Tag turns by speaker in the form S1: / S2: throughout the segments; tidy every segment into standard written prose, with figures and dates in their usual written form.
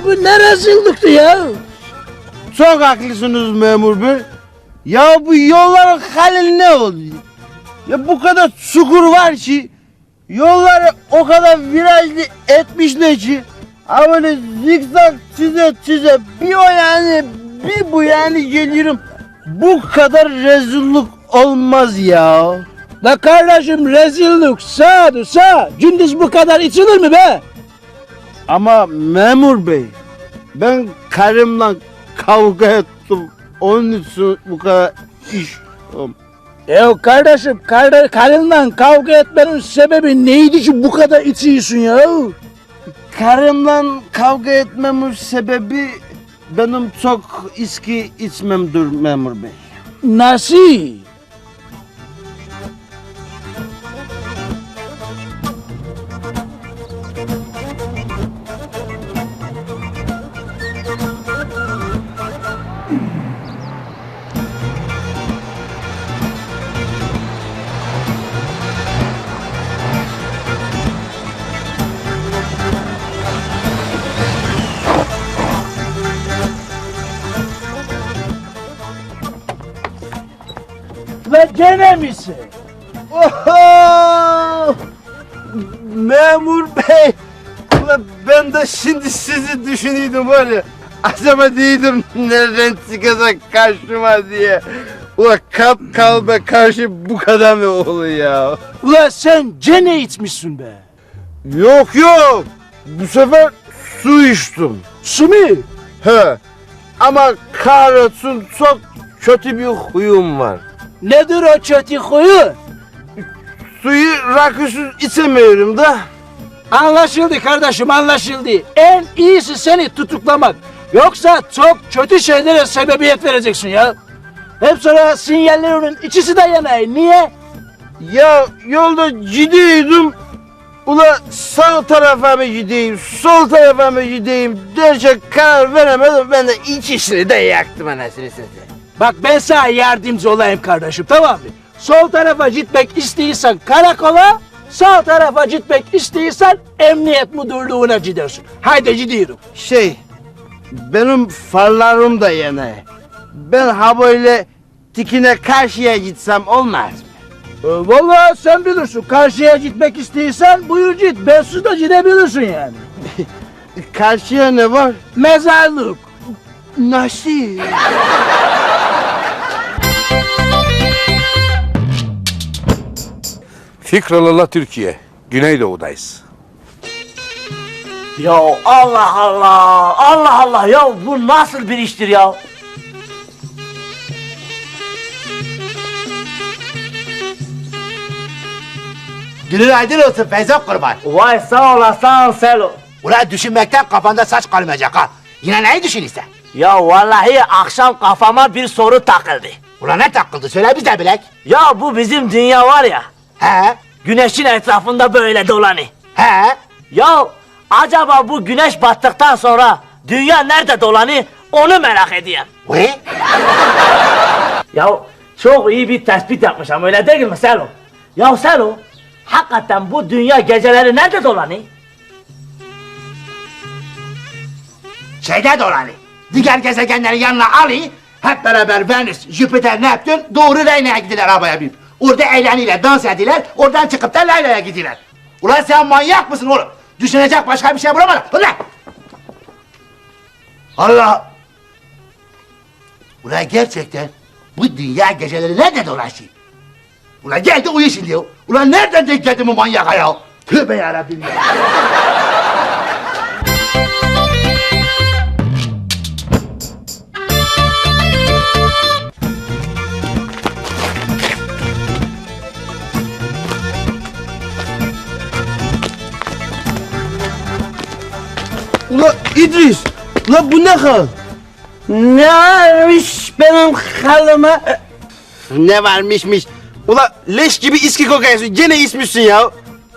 S1: bu ne rezillikti ya?
S2: Çok haklısınız memur bey. Ya bu yolların hali ne oldu? Ya bu kadar çukur var ki yolları o kadar virajlı etmişler ki ha böyle zikzak çize bir o yani bir bu yani geliyorum. Bu kadar rezillik olmaz ya.
S1: La kardeşim rezillik sağ. Gündüz bu kadar içilir mi be?
S2: Ama memur bey ben karımla kavga ettim. Onun için bu kadar iş.
S1: Ya kardeşim karınla kavga etmenin sebebi neydi ki bu kadar içiyorsun ya?
S2: Karımla kavga etmemin sebebi benim çok içki içmemdir memur bey.
S1: Nasıl? Ve gene misin?
S2: Oho! Memur bey! Ulan ben de şimdi sizi düşünüyordum var ya. Acaba değildim nereden çıkacak karşıma diye. Ulan kalbe karşı bu kadar mı oluyor ya?
S1: Ulan sen gene içmişsin be.
S2: Yok. Bu sefer su içtim.
S1: Su mu?
S2: He. Ama kahretsin çok kötü bir huyum var.
S1: Nedir o kötü huyu?
S2: Suyu rakısız içemiyorum da.
S1: Anlaşıldı kardeşim anlaşıldı. En iyisi seni tutuklamak. Yoksa çok kötü şeylere sebebiyet vereceksin ya. Hep sonra sinyallerinin ikisi de yanay. Niye?
S2: Ya yolda gidiyordum. Ula sağ tarafa mı gideyim, sol tarafa mı gideyim derken karar veremedim. Ben de ikisini de yaktım anasını satayım.
S1: Bak ben sana yardımcı olayım kardeşim tamam mı? Sol tarafa gitmek istiyorsan karakola, sağ tarafa gitmek istiyorsan emniyet müdürlüğüne gidersin. Haydi gidiyorum.
S2: Benim farlarım da yana. Ben ha böyle dikine karşıya gitsem olmaz mı?
S1: Vallahi sen bilirsin. Karşıya gitmek istiyorsan buyur git. Bensiz de gidebilirsin yani.
S2: Karşıya ne var?
S1: Mezarlık.
S2: Nasıl?
S3: Fikralala Türkiye. Güneydoğu'dayız.
S4: Ya Allah Allah ya bu nasıl bir iştir ya?
S5: Günün aydın olsun Feyzo kurban.
S4: Vay sağ ol Selo.
S5: Ulan düşünmekten kafanda saç kalmayacak ha. Yine neyi düşünüyorsun?
S4: Ya vallahi akşam kafama bir soru takıldı.
S5: Ulan ne takıldı söyle bize bilek.
S4: Ya bu bizim dünya var ya,
S5: He?
S4: güneşin etrafında böyle dolanıyor.
S5: He?
S4: Ya acaba bu güneş battıktan sonra dünya nerede dolanıyor onu merak ediyorum.
S5: Uy?
S4: Ya çok iyi bir tespit yapmışım öyle değil mi Selo? Ya Selo, hakikaten bu dünya geceleri nerede dolanıyor?
S5: Şeyde dolanı. Diğer gezegenlerin yanına alı. Hep beraber Venüs, Jüpiter, Neptün doğru Reyna'ya gidiler arabaya binip. Orada eğleniyorlar, dans ediyorlar. Oradan çıkıp da Leyla'ya gidiyorlar. Ulan sen manyak mısın oğlum? Düşünecek başka bir şey bulamadın. Ulan! Allah! Ulan gerçekten bu dünya geceleri nerede dolaşıyor? Ulan geldi uyu şimdi ya. Ulan nereden denk geldi bu manyak ya? Tövbe yarabbim ya.
S2: Ula İdris! Ula bu ne hal?
S1: Ne varmış benim halıma?
S2: Ne varmışmış? Ula leş gibi içki kokuyorsun. Gene içmişsin ya.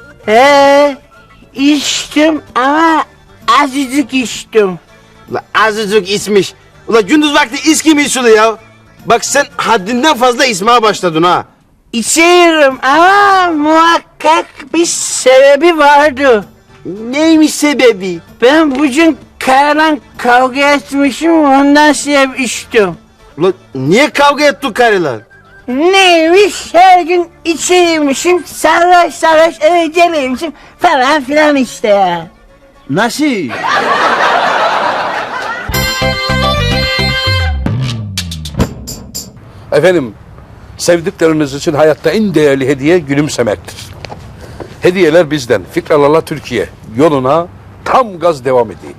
S1: İçtim ama azıcık içtim.
S2: Ula azıcık içmiş. Ula gündüz vakti içki mi içilir ya? Bak sen haddinden fazla içmeye başladın ha.
S1: İçiyorum ama muhakkak bir sebebi vardı.
S2: Neymiş sebebi?
S1: Ben bugün
S2: karla kavga etmişim ondan sebep içtim. Ulan niye kavga ettin karılar? Neymiş her gün içeymişim sarhoş sarhoş eve geleymişim falan filan işte ya. Nasıl?
S3: Efendim, sevdikleriniz için hayatta en değerli hediye gülümsemektir. Hediyeler bizden. Fikralarla Türkiye yoluna tam gaz devam edeyim.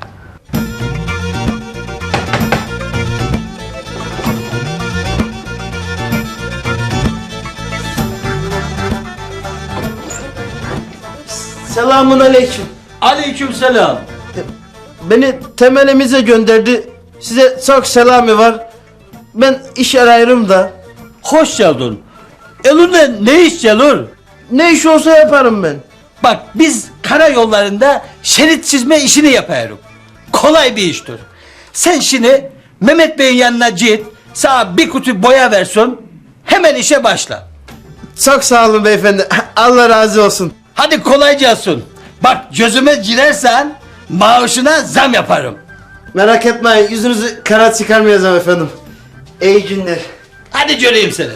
S2: Selamun aleyküm.
S1: Aleykümselam.
S2: Beni temelimize gönderdi. Size çok selamı var. Ben iş arıyorum da.
S1: Hoş geldin. Elinde ne iş Celur?
S2: Ne iş olsa yaparım ben.
S1: Bak biz karayollarında şerit çizme işini yapıyoruz. Kolay bir iştir. Sen şimdi Mehmet Bey'in yanına git, sana bir kutu boya versin, hemen işe başla.
S2: Çok sağ olun beyefendi. Allah razı olsun.
S1: Hadi kolay gelsin. Bak gözüme girersen maaşına zam yaparım.
S2: Merak etmeyin yüzünüzü kara çıkarmayacağım efendim. İyi günler.
S1: Hadi göreyim seni.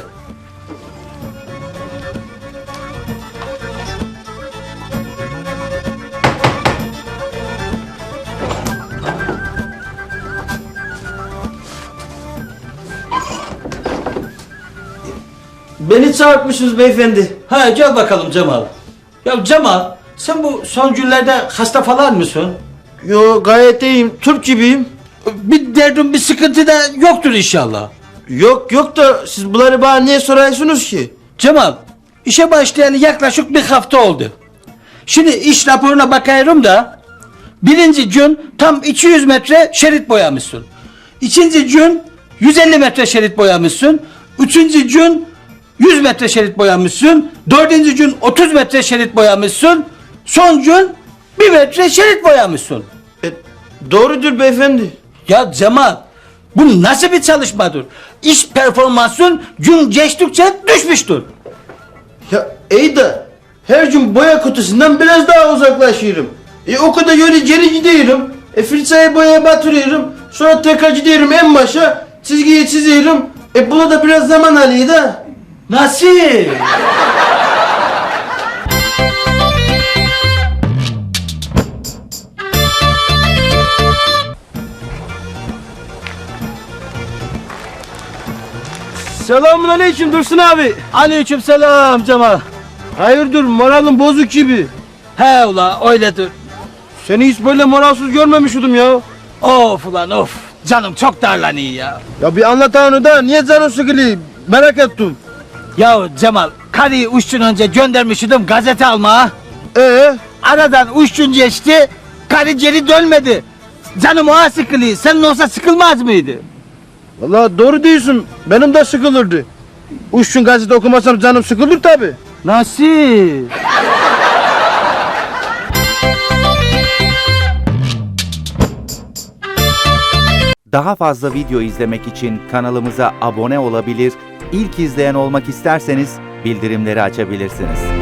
S2: Beni çağırtmışsınız beyefendi.
S1: Ha gel bakalım Cemal. Ya Cemal sen bu son günlerde hasta falan mısın?
S2: Yo gayet iyiyim. Türk gibiyim.
S1: Bir derdin bir sıkıntı da yoktur inşallah.
S2: Yok da siz bunları bana niye soruyorsunuz ki?
S1: Cemal işe başlayalı yaklaşık bir hafta oldu. Şimdi iş raporuna bakıyorum da birinci gün tam 200 metre şerit boyamışsın. İkinci gün 150 metre şerit boyamışsın. Üçüncü gün 100 metre şerit boyamışsın. Dördüncü gün 30 metre şerit boyamışsın. Son gün 1 metre şerit boyamışsın.
S2: Doğrudur beyefendi.
S1: Ya Cemal bu nasıl bir çalışmadır? İş performansın gün geçtikçe düşmüştür.
S2: Ya iyi de her gün boya kutusundan biraz daha uzaklaşıyorum. O kadar yolu geri gidiyorum. Fırçayı boyaya batırıyorum. Sonra tekrar gidiyorum en başa. Çizgiyi çiziyorum. Buna da biraz zaman alıyor da.
S1: Nasıl?
S2: Selamun aleyküm Dursun abi.
S1: Aleykümselam Cemal.
S2: Hayırdır moralin bozuk gibi.
S1: He ula öyledir.
S2: Seni hiç böyle moralsız görmemiştim ya.
S1: Of ulan of. Canım çok darlanıyor ya.
S2: Ya bir anlat onu da niye canın sıkılıyor merak ettim.
S1: Ya Cemal karıyı 3 gün önce göndermiştim gazete almaya. Aradan 3 gün geçti. Karı geri dönmedi. Canım oğa sıkılıyor. Senin olsa sıkılmaz mıydı?
S2: Vallahi doğru diyorsun. Benim de sıkılırdı. 3 gün gazete okumasam canım sıkılır tabi.
S1: Nasıl?
S6: Daha fazla video izlemek için kanalımıza abone olabilir, ilk izleyen olmak isterseniz bildirimleri açabilirsiniz.